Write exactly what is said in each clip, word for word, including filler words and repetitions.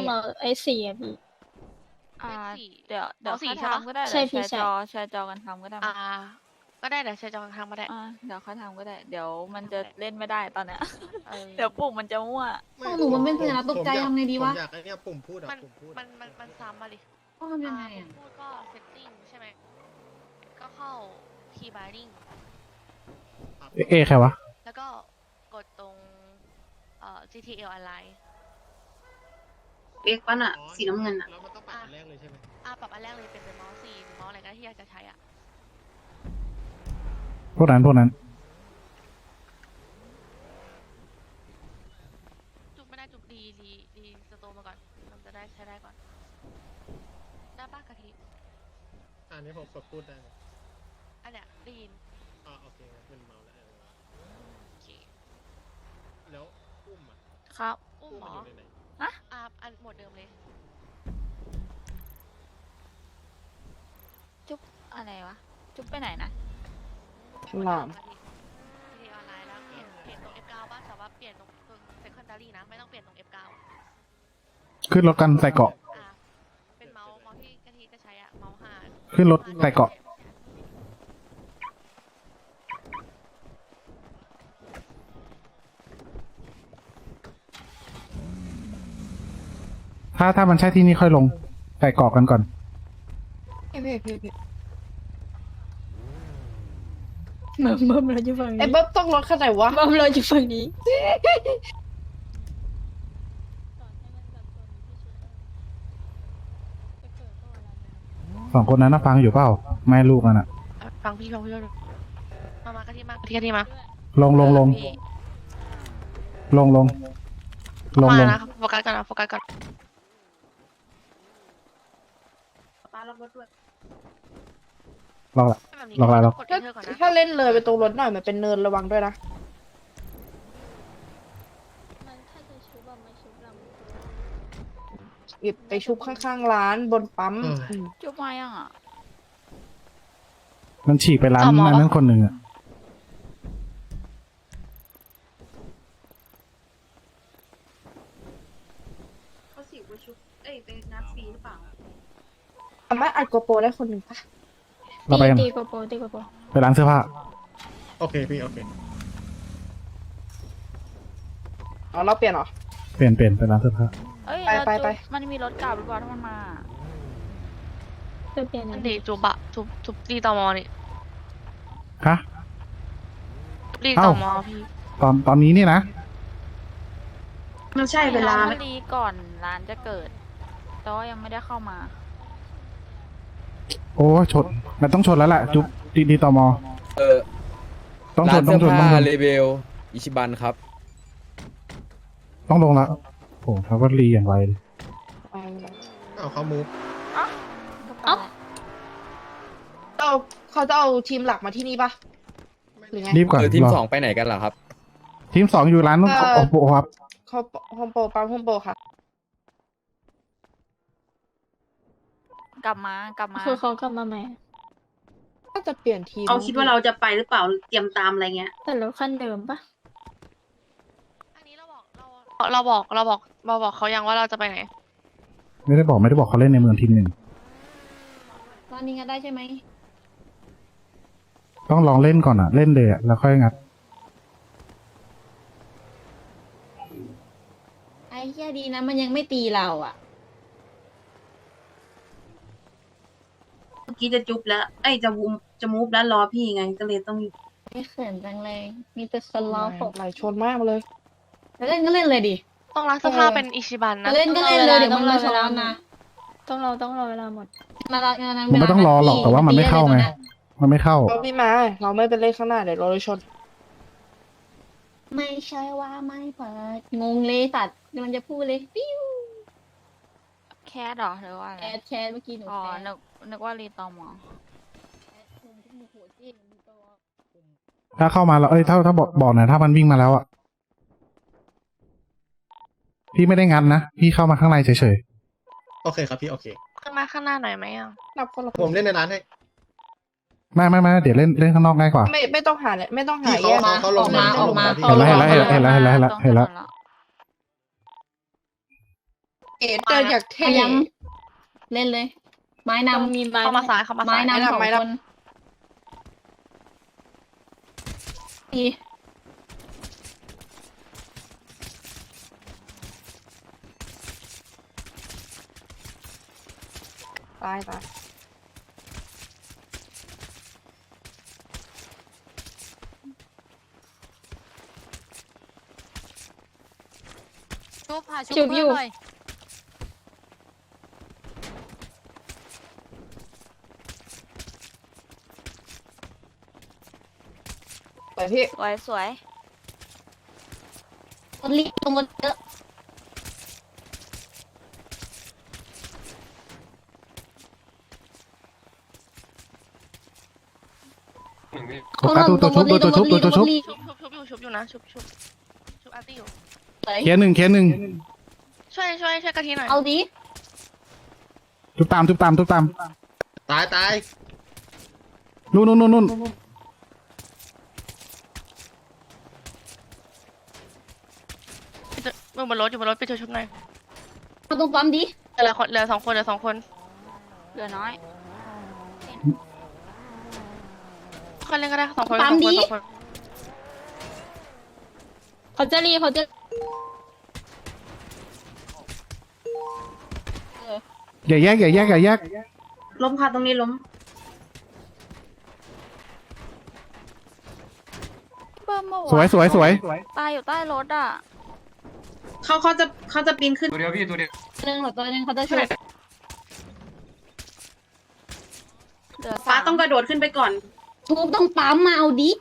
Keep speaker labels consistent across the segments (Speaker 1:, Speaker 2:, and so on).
Speaker 1: ต้องรอไอ้สี่อะพี่
Speaker 2: อ่า
Speaker 3: สี่
Speaker 2: เดี๋ยวเดี๋ยว
Speaker 3: อ๋อสี่
Speaker 2: ค่อย
Speaker 3: ใช่ปะ
Speaker 2: ทำก็ได้
Speaker 1: ใช่
Speaker 2: เดี๋ยว
Speaker 1: พี่
Speaker 2: แชร์
Speaker 1: ใช่
Speaker 2: จอแชร์จอกันทำก็ได้มั้
Speaker 3: อ่าย ก็ได้เดี๋ยวแชร์จอทางมาได้
Speaker 2: อ่าเดี๋ยวค่อยทำก็ได้ เดี๋ยวมันจะ
Speaker 3: ทำก็ได้
Speaker 2: เล่นไม่ได้ตอนเนี้ย
Speaker 3: เออ
Speaker 2: เดี๋ยวปุ่มมันจะมั่ว
Speaker 4: ไม่
Speaker 5: หนูมันเป็นสัญลักษณ์ตกใจ
Speaker 4: ผมอยา
Speaker 5: ทำไงดีวะ
Speaker 4: ผมอยากไอ้เนี่ยปุ่มพูดอะ
Speaker 3: มัน
Speaker 4: ปุ่มพูด
Speaker 3: มันมันมันซ้ำมาดิ
Speaker 5: ต้องทำยังไง
Speaker 3: อ่า
Speaker 5: อ่ะ
Speaker 3: พูดก็ setting ใช่ไหมก็เข้า key binding
Speaker 6: เอใครวะ
Speaker 3: แล้วก็กดตรงเอ่อ จี ที แอล align
Speaker 5: เอ็กปั้นอ่ะ
Speaker 4: อ๋อ
Speaker 5: สีน้ำเงินอ่ะ
Speaker 4: แล้วมันต้องปรับอันแรกเลยใช่ไหม
Speaker 3: อ่าปรับอันแรกเลยเป็นเป็นเมาส์สี่หรือเมาส์อะไรก็ได้ที่อยากจะใช้อ่ะ
Speaker 6: พวกนั้นพวกนั้น
Speaker 3: จุกไม่ได้จุกรีรีรีสโตมาก่อนมันจะได้ใช้ได้ก่อนได้ป้ากะทิ
Speaker 4: อันนี้ผมกดพูดได้ไหม
Speaker 3: อันเนี้ยได้ยิน
Speaker 4: อ่าโอเคงั้นเป็นเมาแล้วเออ
Speaker 3: โอเค
Speaker 4: แล้วอุ้มอ่ะ
Speaker 2: ครับ
Speaker 3: อุ้ม
Speaker 4: อุ้ม
Speaker 3: หม
Speaker 4: มัน
Speaker 3: อ
Speaker 4: อยู่ในไหน
Speaker 3: อ่าอันหมดเดิมเลย
Speaker 2: จุ๊บอะไรวะ จุ๊บไปไหนนะ
Speaker 5: หลาม
Speaker 3: กะทิทีออนไลน์แล้วเปลี่ยนเปลี่ยนตรง เอฟ เก้า ป่ะแต่ว่าเปลี่ยนตรงตรง secondary นะไม่ต้องเปลี่ยนตรง เอฟ เก้า
Speaker 6: ขึ้นรถกันใส่เกาะ
Speaker 3: อ่าเป็นเมาส์เมาส์ที่กะทิจะใช้อะเมาส์ห้า
Speaker 6: ขึ้นรถใส่เกาะ ถ้าถ้ามันใช่ที่นี่ค่อยลงใส่เกาะกันก่อน
Speaker 5: เพ่เพ่เพ่เพ่
Speaker 1: เบิ่มเบิ่มเราอยู่ฝั่ง
Speaker 5: ไอ้
Speaker 1: นี้
Speaker 5: เบิร์บต้องรถคันไหนวะ
Speaker 1: เบิ่มเราอยู่ฝั่งนี้
Speaker 6: สองคนนั้นนะฟังอยู่เปล่า แม่ลูกนั่นน่ะ
Speaker 3: ฟังพี่ฟังพี่ด้วยมามากะทิมากะทิกะทิมา
Speaker 6: ลงลงลง
Speaker 3: พี่
Speaker 6: ลงลงลง
Speaker 3: มา
Speaker 6: ลง
Speaker 3: นะโฟกัสก่อนนะโฟกัสก่อน
Speaker 5: ป้าล็อกรถด้วย
Speaker 6: รอละ
Speaker 3: แบบนี้
Speaker 6: ลองอะไรหรอ
Speaker 3: กด
Speaker 5: ถ้า
Speaker 3: enter ก่อนนะ
Speaker 5: ถ้าเล่นเลยไปตรงรถหน่อยมันเป็นเนินระวังด้วยนะ
Speaker 1: มันถ้าจะชุบอะมันชุบลำ
Speaker 5: หยิบไปชุบข้างๆร้านบนปั๊มอืม
Speaker 2: จุ๊บมายังอ่ะ
Speaker 6: มันฉีกไปร้านอันนั้นคนหนึ่งอ่ะ
Speaker 5: เขาสิไปชุบเอ้ยไปนัดฟรีหรือเปล่าสามารถอัดโกโปรได้คนหนึ่งปะ
Speaker 6: เราไปกัน
Speaker 1: ตีโกโปรตีโกโปร
Speaker 6: ไปร้านเสื้อผ้า
Speaker 4: โอเคพี่โอเค
Speaker 5: อ๋อเราเปลี่ยนเหรอ
Speaker 6: เปลี่ยนเปลี่ยนไปร้านเสื้อผ้า
Speaker 2: เอ้ย
Speaker 5: ไป
Speaker 2: แล้ว
Speaker 5: ไป
Speaker 2: จุ๊บ
Speaker 5: ไป
Speaker 2: มันมีรถกลับหรือเปล่าถ้ามันมา
Speaker 1: จะเปลี่ยน
Speaker 3: อั
Speaker 1: อั
Speaker 3: น
Speaker 1: น
Speaker 3: นี้จุบอะจุบจุบรีตอมอนี่
Speaker 6: ฮะ
Speaker 3: รี
Speaker 6: เอ้า
Speaker 3: ตอมอพี่
Speaker 6: ตอนตอนนี้นี่นะ
Speaker 5: มันใช่เวลา
Speaker 2: ไม่
Speaker 5: ไหม
Speaker 2: เอาดีก่อนร้านจะเกิด แต่ว่ายังไม่ได้เข้ามา
Speaker 6: โอ้ชนมันต้องชนแล้วแหละจุ๊บดีดีต่อมอ
Speaker 7: เออ
Speaker 6: ต้องช
Speaker 7: ร้าน น
Speaker 6: ต้อ
Speaker 7: เสื้
Speaker 6: ง
Speaker 7: อ
Speaker 6: ชนต้อง
Speaker 7: ผ้า
Speaker 6: ชน
Speaker 7: เลเบลอิชิบันครับ
Speaker 6: ต้องลงแล้วโอ้เขาก็รีอย่างไวเลย
Speaker 5: ไปเลย
Speaker 4: เอาเขามูฟ
Speaker 2: เอ้า
Speaker 5: เอาเขาจะเอาทีมหลักมาที่นี่ปะหรือไง
Speaker 6: รีบก่อน
Speaker 7: เออทีม
Speaker 6: ร
Speaker 7: สองไปไหนกันล่ะครับ
Speaker 6: ทีมสองอยู่ร้าน
Speaker 5: เอ่อ
Speaker 6: โอ้โหครับ
Speaker 5: เขาโฮมโปรปั๊มโฮมโปรค่ะ
Speaker 2: กลับมากลับมา
Speaker 1: คือเขากลับมาใหม่
Speaker 5: ก็จะเปลี่ยนทีม
Speaker 8: เขาคิดว่าเราจะไปหรือเปล่าเตรียมตามอะไรเงี้ย
Speaker 1: แต่รถคันเดิมปะ
Speaker 3: อันนี้เราบอกเราเราบอกเราบอกเราบอกเขายังว่าเราจะไปไหน
Speaker 6: ไม่ได้บอกไม่ได้บอกเขาเล่นในเมืองทีมหนึ่ง
Speaker 5: ตอนนี้งัดได้ใช่ไหม
Speaker 6: ต้องลองเล่นก่อนอ่ะ เล่นเลยอ่ะแล้วค่อยงัด
Speaker 5: ไอ้เหี้ยดีนะมันยังไม่ตีเราอ่ะ
Speaker 8: เมื่อกี้จะจุบแล้ว เอ้ยจะวูมจะมูฟแล้วรอพี่ไง ก็เลยต้อง
Speaker 1: ไม่เขินจังเลย มีแต่คนล้อผม
Speaker 5: ไหลชนมากเลยจะเล่นก็เล่นเลยดิ
Speaker 3: ต้องรักเสื้อผ้า
Speaker 5: เออ
Speaker 3: เป็นอิชิบันนะ
Speaker 5: จะเล่นก็เล่นเลยเดี๋ยวมันมาช้านะ
Speaker 1: ต้องรอต้องรอเวลาหมด
Speaker 5: มาละงานนั้น
Speaker 6: มันไม่ต้องรอหรอกแต่ว่ามันไม่เข้าไงมันไม่เข้า
Speaker 5: เราไม่มา เราไม่เป็นเล่นข้างหน้าเดี๋ยวเราเลยชน
Speaker 1: ไม่ใช่ว่าไม่เปิดงงเลยสัตว์มันจะพูดเลยปิ้ว
Speaker 2: แคสเหรอหรือว่าอะไร
Speaker 1: แอดแชทเมื่อกี้หนู
Speaker 2: อ๋อ
Speaker 1: แชท
Speaker 2: นึกนึกว่ารีตอมอ
Speaker 6: ถ้าเข้ามาแล้วเอ้ยถ้าถ้าบอกบอกหน่อยถ้ามันวิ่งมาแล้วอ่ะพี่ไม่ได้งัดนะพี่เข้ามาข้างในเฉย
Speaker 4: โอเคครับพี่โอเค
Speaker 3: ขึ้นมาข้างหน้าหน่อยไหมอ่ะ
Speaker 5: นับคนละ
Speaker 4: ผมเล่นในร้านให้
Speaker 6: ๆไม่ไม่ไม่เดี๋ยวเล่นเล่นข้างนอกง่ายกว่า
Speaker 5: ไม่ไม่ต้องหาเลยไม่ต้องหา
Speaker 4: พี่
Speaker 5: แย
Speaker 4: เขา
Speaker 5: ก
Speaker 4: เขาเขาลง
Speaker 5: ออกมาออกมา
Speaker 4: เขาลง
Speaker 6: เห็นแล้วเห็นแล้วเห็นแล้วเห็นแล้วเห็นแล้วเห็นแล้ว
Speaker 2: ต้องชน
Speaker 5: เอ๋เดินอยากเท่
Speaker 1: พยายามเล่นเลย ไม้นำ
Speaker 2: มีไม้
Speaker 3: เข้ามาซ้ายเข้ามา
Speaker 1: ไม้
Speaker 3: ซ้าย
Speaker 1: นำสองคนดี
Speaker 5: ตายตาย
Speaker 2: ชุบหา
Speaker 1: ชุบอยู่
Speaker 2: เพื่นหน่
Speaker 5: ไปพี่
Speaker 2: สวยสวย
Speaker 1: รถรีบตรงรถเยอะ
Speaker 6: โอกาสตัวชุบตัวชุบตัวชุบ
Speaker 3: ชุบชุบชุบอยู่ชุบอยู่นะชุบชุบชุบอาร์ตี้อยู่
Speaker 6: เคลียร์หนึ่งเคลียร์หนึ่ง
Speaker 3: ช่วยช่วยช่วยกะทิหน่อย
Speaker 1: เอาดิ
Speaker 6: ทุบตามทุบตามทุบตาม
Speaker 4: ตายตาย
Speaker 6: นู่นนู่นนู่นนู่น
Speaker 3: มึงบนรถอยู่บนรถไปช่วยชุบหน่อย
Speaker 1: เอาตรงปั๊มดิ
Speaker 3: เหลือคนเหลือสองคนเหลือสองคน
Speaker 2: เหลือน้อย
Speaker 3: คนเล่นก็ได้สองคนสองคนสองคน
Speaker 1: เขาจะรีเขาจะ
Speaker 6: อย่าแยกอย่าแยกอย่าแยก
Speaker 8: ล้มค่ะตรงนี้ล้ม
Speaker 2: เบิ่มเมื่อ
Speaker 6: สวยสวยสวย
Speaker 2: ตายอยู่ใต้รถอ่ะ
Speaker 8: เขาเขาจะเขาจะปีนขึ้น
Speaker 4: ตัวเดียวพี่ตัวเดียว
Speaker 1: หนึ่งหรือตัวหนึ่งเขาจะช่วย
Speaker 2: เหลือ
Speaker 8: ฟ้า
Speaker 2: สาม
Speaker 8: ต้องกระโดดขึ้นไปก่อน
Speaker 1: ทุบต้องปั๊มมาเอาดิ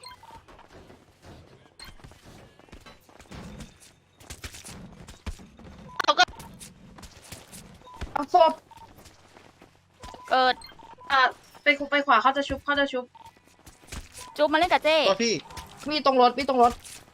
Speaker 5: เอาศพ
Speaker 2: เกิด
Speaker 8: อ่าไปไปขวาเขาจะชุบเขาจะชุบ
Speaker 2: จุ๊บมาเล่นกับเจ้
Speaker 4: ตัวพี่
Speaker 5: มีตรงรถมีตรงรถ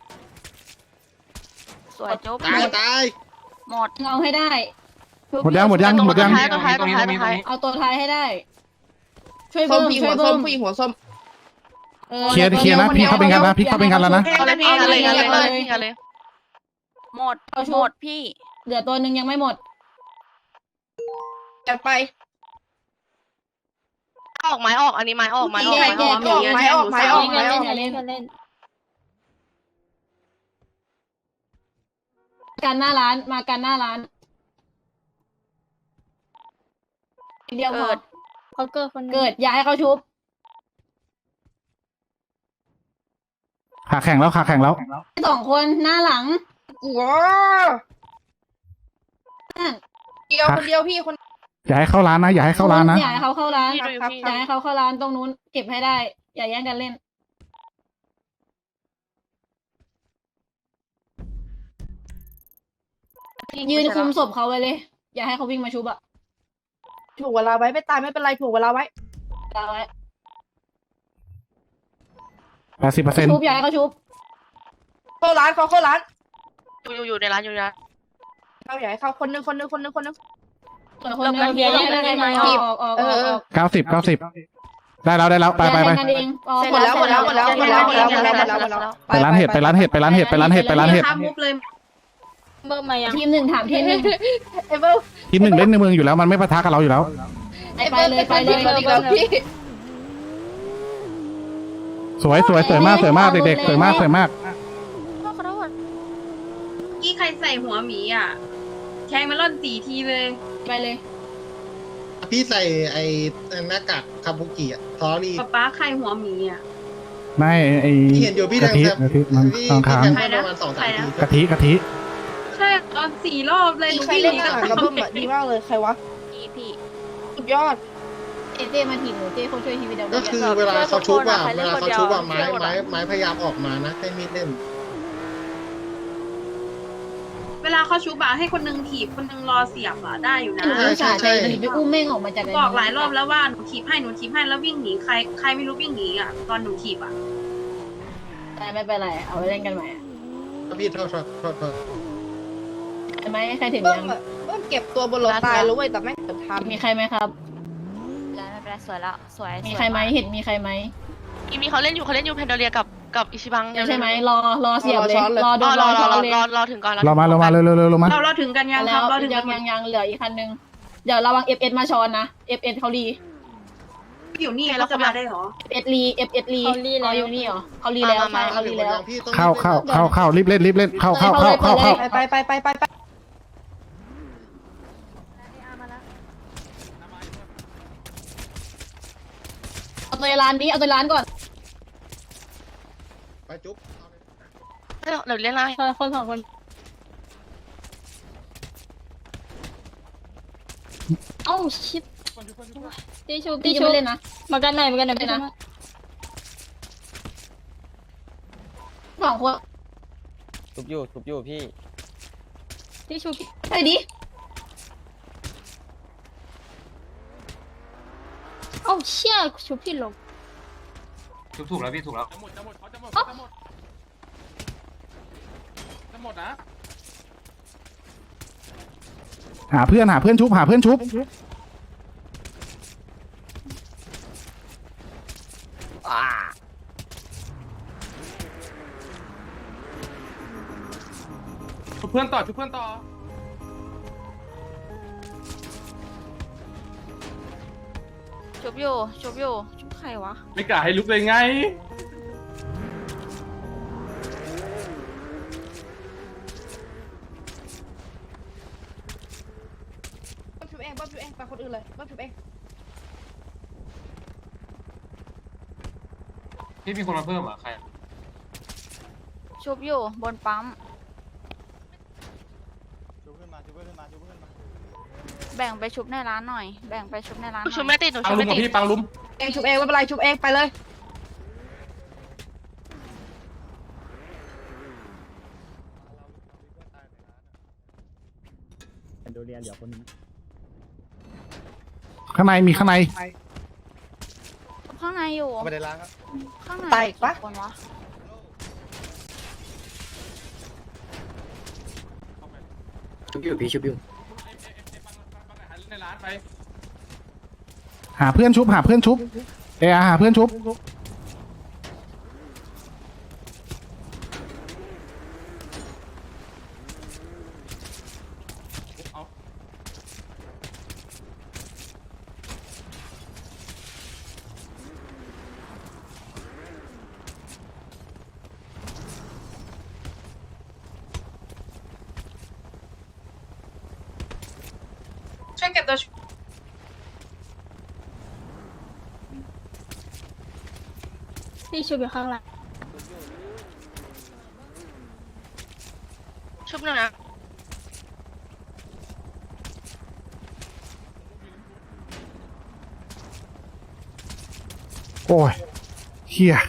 Speaker 2: สวยจุ๊บ
Speaker 4: ตายตาย
Speaker 2: หมด
Speaker 1: เอาให้ได้
Speaker 6: หมดยังหมดยังหมดยัง
Speaker 3: ท้ายตัวท้ายตัวท้ายตัวท้าย
Speaker 1: เอาตัวท้ายให้ได้ ช่วย
Speaker 5: ส้
Speaker 1: เบิ้
Speaker 5: ม
Speaker 1: ม
Speaker 5: ผู้หญิง
Speaker 1: ช่
Speaker 5: หั
Speaker 1: วยว
Speaker 5: ส้
Speaker 1: เบิ้
Speaker 5: ม
Speaker 1: ม
Speaker 5: ผู้หญิงหัวส้ม
Speaker 1: ออ
Speaker 6: เคลียร์เคลียร์นะพี่เข้าเป็นกันนะพี่เข้าเป็นกันแล้วนะ
Speaker 3: เอาเลยพี่เอาเลยเอาเลยเอาเลยพี่เอาเลย
Speaker 2: หมดหมดพี่
Speaker 1: เหลือตัวหนึ่งยังไม่หมด
Speaker 5: จัดไป
Speaker 3: ออกไม้ออกอันนี้ไม้ออกไม้ออก
Speaker 1: แยกแยก
Speaker 3: ไม้ออก
Speaker 5: ไม้ออกไม้ออก
Speaker 1: เล่นเล่นอย่าเล่นอย่าเล่นการหน้าร้านมาการหน้าร้านเดียวพอ
Speaker 2: เกิดเขาเกิดคนหนึ่ง
Speaker 1: เกิดย้ายเขาชุบ
Speaker 6: ขาแข็งแล้วขาแข็งแล้ว
Speaker 1: สองคนหน้าหลัง
Speaker 5: ว้า
Speaker 1: นั่น
Speaker 5: เดียวคนเดียวพี่คน
Speaker 6: อย่าให้เข้าร้านนะอย่าให้เข้าร้านนะ
Speaker 1: อย่าให้เขาเข้าร้าน
Speaker 3: พี่ดูอยู่พี่
Speaker 1: อย่าให้เขาเข้าร้านตรงนู้นเก็บให้ได้ อย่าแย่งกันเล่น ยืนคุมศพเขาไว้เลย อย่าให้เขาวิ่งมาชุบอะ
Speaker 5: ถูกเวลาไว้ไม่ตายไม่เป็นไรถูกเวลาไว้
Speaker 1: ตาไว้
Speaker 6: แปดสิบเปอร์เซ็นต์
Speaker 1: ชุบอย่าให้เขาชุบ
Speaker 5: เข้าร้านเขาเข้าร้าน
Speaker 3: อยู่อยู่อยู่ในร้านอยู่ในร้าน
Speaker 5: เขาอยากให้เขาคนนึงคนนึงคนนึงคนนึง
Speaker 1: ส่วนคนเดียวอย่าแย่งกันเล่นออกออกออกออกออก
Speaker 6: เก้าสิบเก้าสิบได้แล้วได้แล้วไปไปไป
Speaker 1: อย่าแย่งกันเองออก
Speaker 5: หมดแล้วหมดแล้วหมดแล้วหมดแล้วหมดแล้วหมดแล้วหมดแล้วหมดแล้ว
Speaker 6: ไปร้านเห็ดไปร้านเห็ดไปร้านเห็ดไปร้านเห็ดไปร้านเห็ด
Speaker 8: ข้ามมุกเลย
Speaker 2: เบิ่มมายัง
Speaker 1: ทีมหนึ่งถามทีมหนึ่ง
Speaker 5: เอเบิล
Speaker 6: ทีมหนึ่งเล่นในเมืองอยู่แล้วมันไม่ปะทะกับเราอยู่แล้ว
Speaker 1: ไปไปเลยไปเลย
Speaker 5: อีกแล้วพี่
Speaker 6: สวยสวยสวยมากสวยมากเด็กๆสวยมากสวยมาก
Speaker 2: ขอโทษ
Speaker 8: กี้ใครใส่หัวหมีอ่ะแทงมาล่อนสีทีเลย
Speaker 1: ไปเลย
Speaker 4: พี่ใส่ไอ้หน้ากากคาบุกิอะซอรี่
Speaker 8: ป๊าป๊าใครหัวหมีอ่ะ
Speaker 6: ไม่ไอ้
Speaker 4: พี่เห็นอยู่พี่
Speaker 6: กะ
Speaker 4: แทง
Speaker 6: ทิ
Speaker 4: แซม
Speaker 6: กะทิมัน
Speaker 4: พี่
Speaker 6: ทาง
Speaker 4: พี่
Speaker 6: ค้าง
Speaker 4: แทงประมาณสองสามที
Speaker 6: กะทิกะทิ
Speaker 8: ใช่ตอนสี่รอบเลย
Speaker 5: มี
Speaker 8: หนู
Speaker 5: ใคร
Speaker 8: วิ่งห
Speaker 5: เล่น
Speaker 8: นี
Speaker 5: ห
Speaker 8: ก็
Speaker 5: นังระเบิดอะดีมากเลยใครวะ
Speaker 2: พี่พี่
Speaker 5: สุดยอด
Speaker 1: เจเจมาถีบหนูเจคนช่วยทีวีเดียว
Speaker 4: ก็คือเวลาเขาชุบอะเวลาเขาชุบอะไม้ไม้ไม้พยายามออกมานะให้มีดเล่น
Speaker 8: เวลาเขาชุบอะให้คนนึงถีบคนนึงรอเสียบอะได้อยู่นะ
Speaker 1: หนูอุตส่าห์ใจดีไปอุ้มแม่งออกมาจาก
Speaker 8: บอกหลายรอบแล้วว่าหนูถีบให้หนูถีบให้แล้ววิ่งหนีใครใครไม่รู้วิ่งหนีอ่ะตอนหนูถีบอ่ะ
Speaker 1: แต่ไม่เป็นไรเอาไปเล่นกันใหม่
Speaker 4: พี่โทษโทษโทษโทษ
Speaker 1: ใช่ไหมใครถึง
Speaker 5: เบิ้
Speaker 1: ยั
Speaker 5: ม
Speaker 1: ง
Speaker 5: อะเบิ้มเก็บตัวบนรถตายแล้วเว้ยแต่ไม่เกิดทำ
Speaker 1: มีใครไหมครับ
Speaker 2: แล้วไม่เป็นไรสวยแล้วสวย
Speaker 1: มีใครไหมเห็นมีใครไหม
Speaker 3: มีมีเขาเล่นอยู่เขาเล่นอยู่แพนโดเรียกับกับอิชิบัง
Speaker 1: ใช่ไหมรอรอเสียบเลยรอโด
Speaker 3: รอน ร
Speaker 1: ร
Speaker 3: อ
Speaker 1: อ
Speaker 3: ร
Speaker 1: ช้
Speaker 3: อ
Speaker 1: อน
Speaker 3: รอ
Speaker 1: เลย
Speaker 3: รอรอถึงก่อน
Speaker 6: เรามาเรามาเร็วเร็วเร็วเรามา
Speaker 8: เราเราถึงกันยังค
Speaker 1: แล้
Speaker 8: รับ
Speaker 1: ว
Speaker 8: เราถึง
Speaker 1: ยั
Speaker 8: กั
Speaker 1: ง
Speaker 8: น
Speaker 1: ยังยังเหลืออีกคันนึงเดี๋ยวระวังเอฟเอสมาช้อนนะเอฟเอสเขารี
Speaker 8: อยู่นี่เขาจะมาได้เหรอ
Speaker 1: เอฟเอสรีเอฟเอสรีเขาอยู่นี่เหรอเขารีแล้วใช่เขารีแล้ว
Speaker 4: พี่ต้อง
Speaker 6: เข้าเข้าเข้าเข้ารีบเล่นรีบเล่นเข้าเข้าเข้าเข้าเข้า
Speaker 5: ไปไปไปไปไป
Speaker 1: เอาตัวร้านนี้เอาตัวร้านก่อน
Speaker 4: ไปจุ๊บ
Speaker 3: เดี๋ยวเดี๋ยวเรียกไล่
Speaker 1: คนสองคนเอ้าชิดตีชูตีชูเล่นนะมากันไหนมากันไหนไปนะสองคน
Speaker 7: ชุบอยู่ชุบอยู่พี่
Speaker 1: ตีชูไปดิเอ้าเชี่ยชูพี่ลง
Speaker 9: ถูกถูกแล้วพี่ถูกแล้ว
Speaker 10: จะหมดจะหมดเขาจะหมดเขาจะหมดจะหมดนะ
Speaker 6: หาเพื่อนหาเพื่อนชุบหาเพื่อนชุบ
Speaker 10: ชุบเพื่อนต่อชุบเพื่อนต่อ
Speaker 2: ชุบอยู่ชุบอยู่ชุบใครวะ
Speaker 10: ไม่กล้าให้ลุกเลยไง
Speaker 5: บ๊อบชุบเองบ๊อบชุบเองไปคนอื่นเลยบ๊อบชุบเอง
Speaker 9: พี่มีคนมาเพิ่มเหรอใคร
Speaker 2: ชุบอยู่บนปั๊มแบ่งไปชุบในร้านหน่อย แบ่งไปชุบในร้านหน่อย
Speaker 3: ชุบไม่ติดหนู
Speaker 10: ปัง
Speaker 3: ชุบ
Speaker 10: ลุม
Speaker 3: ไม่
Speaker 10: กับ
Speaker 3: ติด
Speaker 10: พี่ปังลุม
Speaker 5: เองชุบเองไม่เป็นไรชุบเองไปเลย
Speaker 6: ข้างในมีข้างใน
Speaker 2: ข้างในอยู่
Speaker 4: ไม่ได้ล้างครับ
Speaker 2: ข้างใน
Speaker 5: ตายอีกปะ
Speaker 2: กี่คนวะ
Speaker 7: ชุบอยู่พี่ชุบอยู่
Speaker 10: ในร้านไป
Speaker 6: หาเพื่อนชุบหาเพื่อนชุบเออหาเพื่อนชุบ
Speaker 10: เอา
Speaker 8: ช่วยเก็บตัว
Speaker 1: ตีชูอยู่ข้างหลัง
Speaker 3: ชุบหน่อยนะ
Speaker 6: โอ้ยเฮีย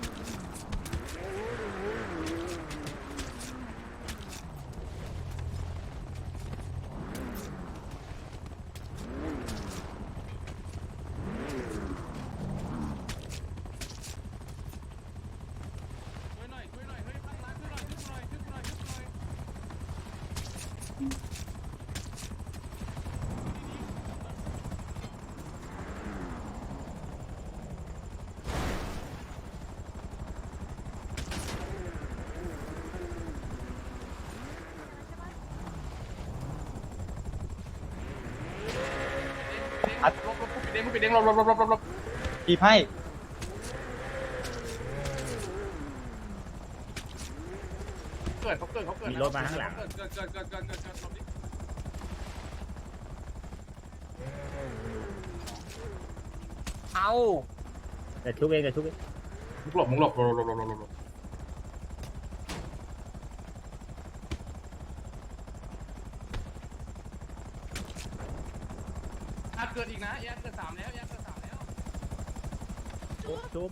Speaker 10: ช่วยหน่อยช่วยหน่อยเฮ้ยข้างร้านช่วยหน่อยช่วยหน่อยช่วยหน่อยช่วยหน่อย ลบลบปิดเด้งปิดเด้งลบลบลบลบลบลบ
Speaker 9: อีไพ่
Speaker 10: เกิดเขาเกิดเขาเกิด
Speaker 9: มีรถมาข้างหลัง
Speaker 10: เกิดเกิดเกิดเกิดเกิดเกิดเกิดหลบดิ
Speaker 7: เอา
Speaker 9: แต่ชุบเองแต่ชุบเอง
Speaker 10: มึงหลบมึงหลบหลบหลบหลบหลบหลบอ่ะเกิดอีกนะแยกเกิดสามแล้วแยกเกิดสามแล้ว
Speaker 9: ชุบชุบ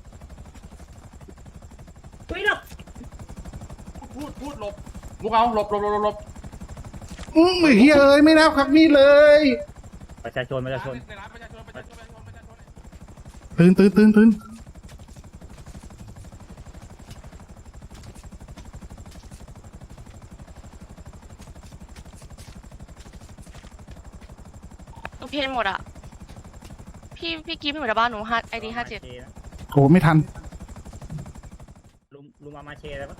Speaker 10: พูดพูดหลบมุกเอาหลบหลบหลบหลบหลบ
Speaker 6: อืมเฮียเอ้ยไม่นับครับนี่เลย
Speaker 9: ประชาชนประชาชน
Speaker 10: ในร้านประชาชนประชาชนประชาชนประชาชน
Speaker 6: ตื่นตื่นตื่นตื่น
Speaker 3: หนูเพนหมดอ่ะ พี่พี่กิ๊ฟไม่เหมือนบ้านหนูห้าไอดีห้าเจ็ด
Speaker 6: โอ้ไม่ทัน
Speaker 9: ลุมเชอะไรปะ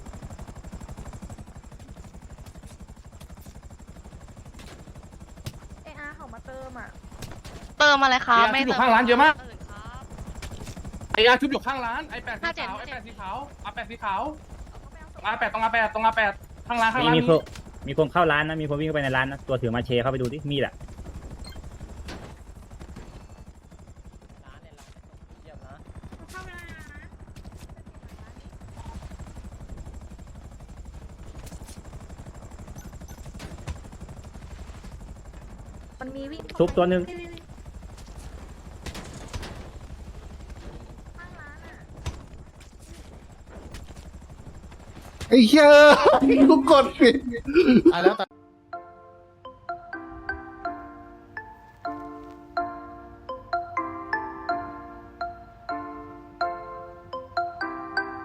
Speaker 2: เออาเขามาเติมอ่ะ
Speaker 3: เติมอะไรคะ
Speaker 10: เออา
Speaker 3: ไม่
Speaker 10: ชุบอยู่
Speaker 3: เติม
Speaker 10: ข้างร้านเยอะมาก
Speaker 3: อื่นครับ
Speaker 10: ไอ้อาชุบอยู่ข้างร้านไอ้แปดสี
Speaker 3: ห้าเจ็ด
Speaker 10: ขาวไอ้
Speaker 3: ห้าเจ็
Speaker 10: แป
Speaker 3: ด
Speaker 10: ดสีขาวอาแปดสีขาวอาแปดตรงอาแปดตรงอาแปดข้างร้านข้าง
Speaker 9: มี
Speaker 10: ร้าน
Speaker 9: มีคนมีคนเข้าร้านนะมีคนวิ่งเข้าไปในร้านนะตัวถือมาเชเข้าไปดูดิมีดอะ
Speaker 7: ร้านเนี่ยเราเยี่ยมนะ
Speaker 5: เข้าเวลานะ
Speaker 2: มันมีวิ่ง
Speaker 9: ชุบตัวหนึ่ง
Speaker 2: ข้างร้านอ่ะ
Speaker 4: ไอ้เหี้ยกูกดผิด
Speaker 6: ตายแล้วตาย